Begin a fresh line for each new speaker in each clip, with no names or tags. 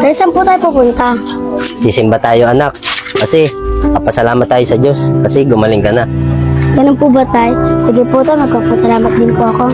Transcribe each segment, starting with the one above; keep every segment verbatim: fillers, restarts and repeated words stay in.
Dahil saan po tayo pupunta?
Sisimba tayo anak. Kasi papasalamat tayo sa Diyos. Kasi gumaling ka na.
Ganun po ba tayo? Sige po tayo, magpapasalamat din po ako.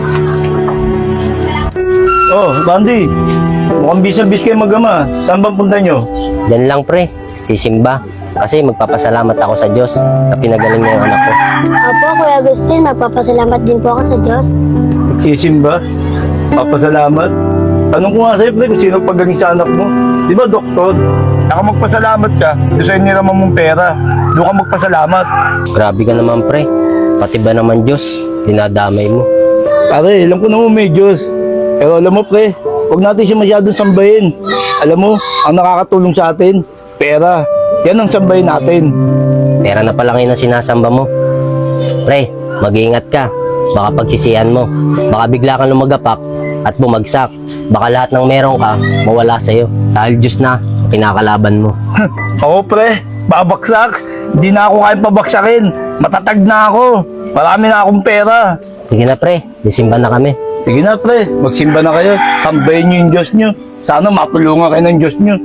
Oh, Randy. Mukhang bis-bis kayo mag-ama. Saan bang punta nyo?
Diyan lang pre, sisimba. Kasi magpapasalamat ako sa Diyos na pinagaling niya yung anak ko.
Opo, Kuya Agustin, magpapasalamat din po ako sa Diyos.
Magsisimba? Papasalamat? Tanong ko nga sa'yo, pre, kung sino pagaling sa anak mo. Di ba, doktor? Saka magpasalamat ka. Doon sa'yo niraman mong pera. Doon ka magpasalamat.
Grabe ka naman pre. Pati ba naman Diyos, dinadamay mo.
Pare, alam ko naman may Diyos. Pero alam mo, pre, huwag natin siya masyadong sambahin. Alam mo, ang nakakatulong sa atin, pera. Yan ang sambahin natin.
Pera na pala ngayon ang sinasamba mo. Pre, mag-iingat ka. Baka pagsisihan mo. Baka bigla kang lumagapak at bumagsak. Baka lahat ng meron ka, mawala sa'yo. Dahil Diyos na, pinakalaban mo.
Oo, pre, babaksak. Hindi na ako kayang pabaksakin. Matatag na ako. Marami na akong pera.
Sige na pre, disimba na kami.
Sige na, pre, magsimba na kayo. Sambahin niyo yung Diyos niyo. Sana matulungan kayo ng Diyos niyo.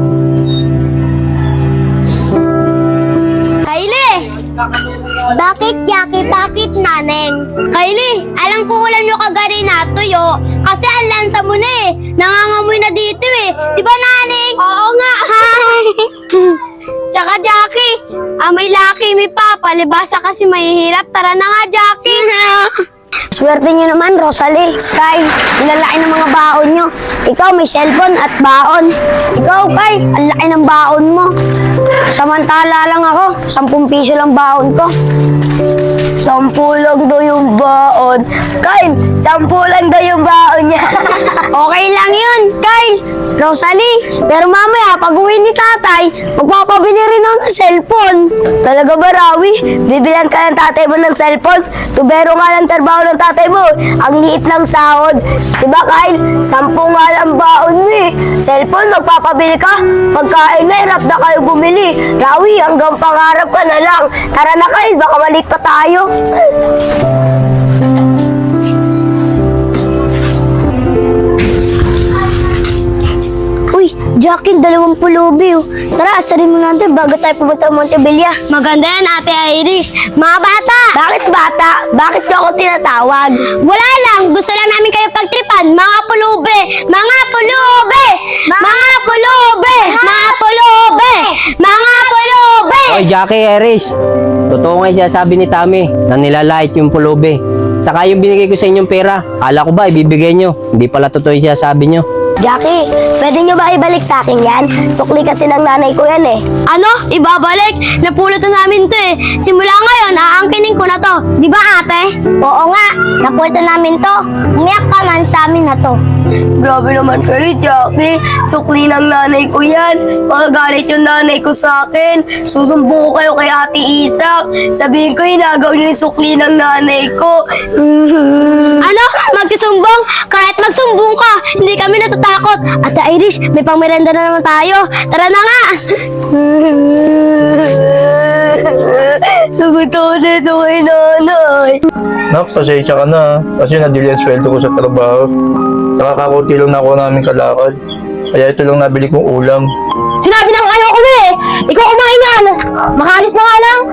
Kylie! Bakit, Jackie? Bakit, Naneng? Kylie, alam ko ulam nyo kagari na tuyo. Kasi ang lansa mo na eh. Nangangamoy na dito eh. Di ba, Naneng? Oo nga, ha? Tsaka, Jackie, ah, may laki, may papa. Libasa kasi mahihirap. Tara na nga, Jackie. Swerte nyo naman, Rosalie. Kay, nilalaki ng mga baon nyo. Ikaw may cellphone at baon. Ikaw, Kay, ang laki ng baon mo. Samantala lang ako, sampung piso lang baon ko. Sampu lang daw yung baon. Kyle, sampu lang daw yung baon niya. Okay lang yun, Kyle. Rosalie, pero mamaya pag uwi ni tatay, magpapabili rin ako ng cellphone. Talaga ba, Rawi? Bibilan ka ng tatay mo ng cellphone? Tubero nga lang trabaho ng tatay mo. Ang liit lang sahod. Diba, Kyle? Sampu nga lang baon mo eh. Cellphone, magpapabili ka. Pagkain na, hirap na kayo bumili. Rawi, hanggang pangarap ka na lang. Tara na, Kyle, baka maliit pa tayo. Uy, Jackie, dalawang pulubi oh. Tara, asarin mo natin bago tayo pumunta Montebilla. Maganda yan, Ate Iris. Mga bata! Bakit bata? Bakit niyo ako tinatawag? Wala lang, gusto lang namin kayo pagtripan. Mga pulubi! Mga pulubi! Mga pulubi! Mga pulubi! Mga pulubi!
Oy, Jackie, Eris. Totoo nga yung sinasabi ni Tami na nilalait yung pulubi. Saka yung binigay ko sa inyong pera, kala ko ba ibibigay nyo? Hindi pala totoo yung sinasabi nyo.
Jackie, pwede nyo ba ibalik sa akin yan? Sukli kasi ng nanay ko yan eh. Ano? Ibabalik? Napulot na namin to eh. Simula ngayon, aangkinin ko na to. Di ba ate? Oo nga, napulot na namin to. Umiyak ka man sa amin na to. Grabe naman kayo, Jackie. Sukli ng nanay ko yan. Magagalit yung nanay ko sa akin. Susumbong ko kayo kay Ate Isak. Sabihin ko, hinagaw niyo yung sukli ng nanay ko. Ano? Magsusumbong? Kahit magsumbong ka, hindi kami natatakot. Ate Iris, may pangmerenda na naman tayo. Tara na nga! Nagutom na ito kay nanay.
Nak, pasensya ka na. Kasi nadili ang sweldo ko sa trabaho. Nakakakunti lang na ako namin kalakad. Kaya ito lang nabili kong ulam.
Sinabi na ayoko na eh! Ikaw kumain yan! Makalis na nga lang!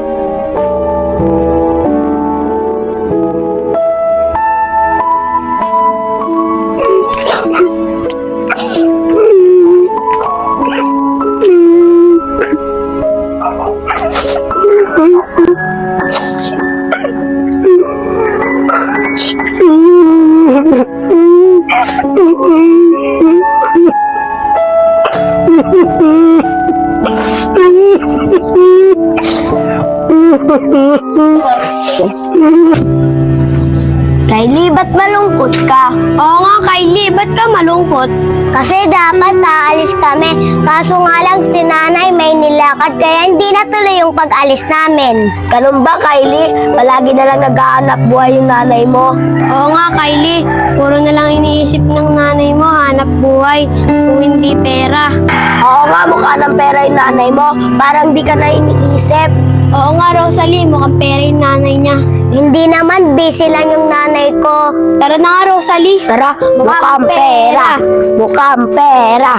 Kylie, ba't malungkot ka? Oo nga, Kylie, ba't ka malungkot? Kasi dapat aalis kami. Kaso nga lang si nanay may nilakad kaya hindi natuloy yung pag-alis namin. Ganun ba, Kylie? Palagi na lang nag-aanap buhay yung nanay mo. Oo nga, Kylie. Puro na lang iniisip ng nanay mo, hanap buhay. Kung hindi pera. Oo nga, mukha ng pera yung nanay mo. Parang di ka na iniisip. Oo nga, Rosalie, mukhang pera yung nanay niya. Hindi naman, busy lang yung nanay ko. Tara na nga, Rosalie. Tara, mukhang pera. Mukhang pera.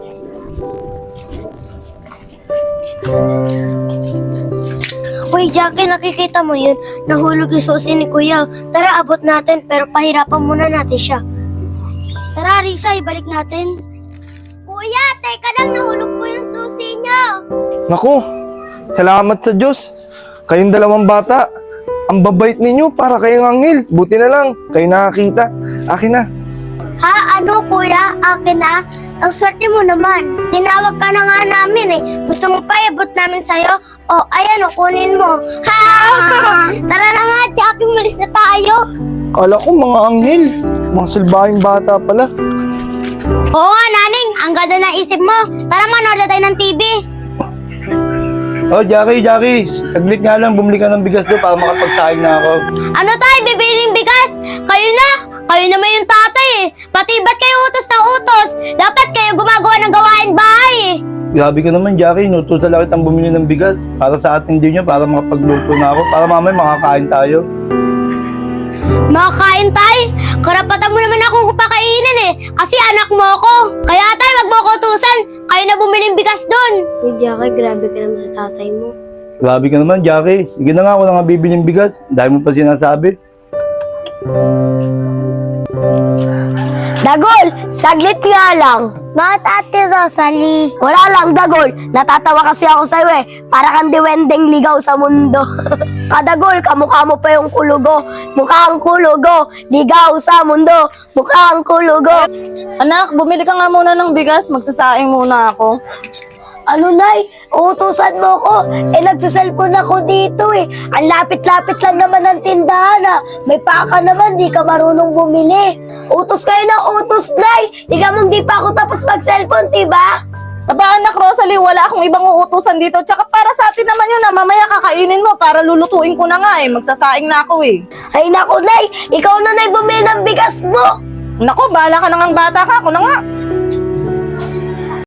Uy, Jackie, nakikita mo yun? Nahulog yung susi ni Kuya. Tara, abot natin, pero pahirapan muna natin siya. Tara, Risa, ibalik natin. Kuya, teka lang, nahulog po yung susi niya.
Naku, salamat sa Diyos. Kayong dalawang bata, ang babait ninyo para kayong anghel. Buti na lang, kayo nakakita. Akin na.
Ha? Ano, kuya? Akin na? Ang swerte mo naman. Tinawag ka na nga namin eh. Gusto mo pa iabot namin sa'yo? O, ayan o, kunin mo. Ha? Tara na nga, Jackie, malis na tayo.
Kala ko mga anghel. Mga salbahing bata pala.
Oo nga, naning. Ang ganda na isip mo. Tara, manood na tayo ng T V.
Oh, Jackie, Jackie. Saglit nga lang, bumili ka ng bigas doon para makapagsaing na ako.
Ano tayo, bibiling bigas? Kayo na? Kayo naman yung tatay eh. Pati ba't kayo utos na utos? Dapat kayo gumagawa ng gawain bahay eh.
Grabe ka naman, Jackie. Inutusan lang kitang bumili ng bigas para sa ating din niya, para makapagluto na ako. Para mamaya makakain tayo.
Makakain tayo? Karapatan mo naman akong pakainin eh. Kasi anak mo ako. Kaya tayo, wag mo ako utusan. Kayo na bumiling bigas doon. Uy, Jackie, grabe ka naman sa tatay mo.
Grabe ka naman, Jackie. Sige na nga, ako na nga bibiling bigas. Dahil mo pa sinasabi.
Dagol, saglit nga lang. Bakit Ate Rosalie? Wala lang, Dagol. Natatawa kasi ako sa'yo eh. Para kang diwendeng ligaw sa mundo. Kadagol, kamukha mo pa yung kulugo. Mukhang kulugo, ligaw sa mundo. Mukhang kulugo.
Anak, bumili ka nga muna ng bigas. Magsasaing muna ako.
Ano, Nay? Uutusan mo ko. Eh, nagsaselfon ako dito eh. Ang lapit-lapit lang naman ng tindahan ah. May paka naman, di ka marunong bumili. Utos kayo ng utos, Nay. Di ka mong di pa ako tapos mag-cellphone, diba?
Aba, anak Rosalie, wala akong ibang uutusan dito. Tsaka para sa atin naman yun na mamaya kakainin mo para lulutuin ko na nga eh. Magsasaing na ako eh.
Ay, naku, Nay. Ikaw na, Nay, bumili ng bigas mo.
Nako, bahala ka na ngang bata ka. Ako na nga.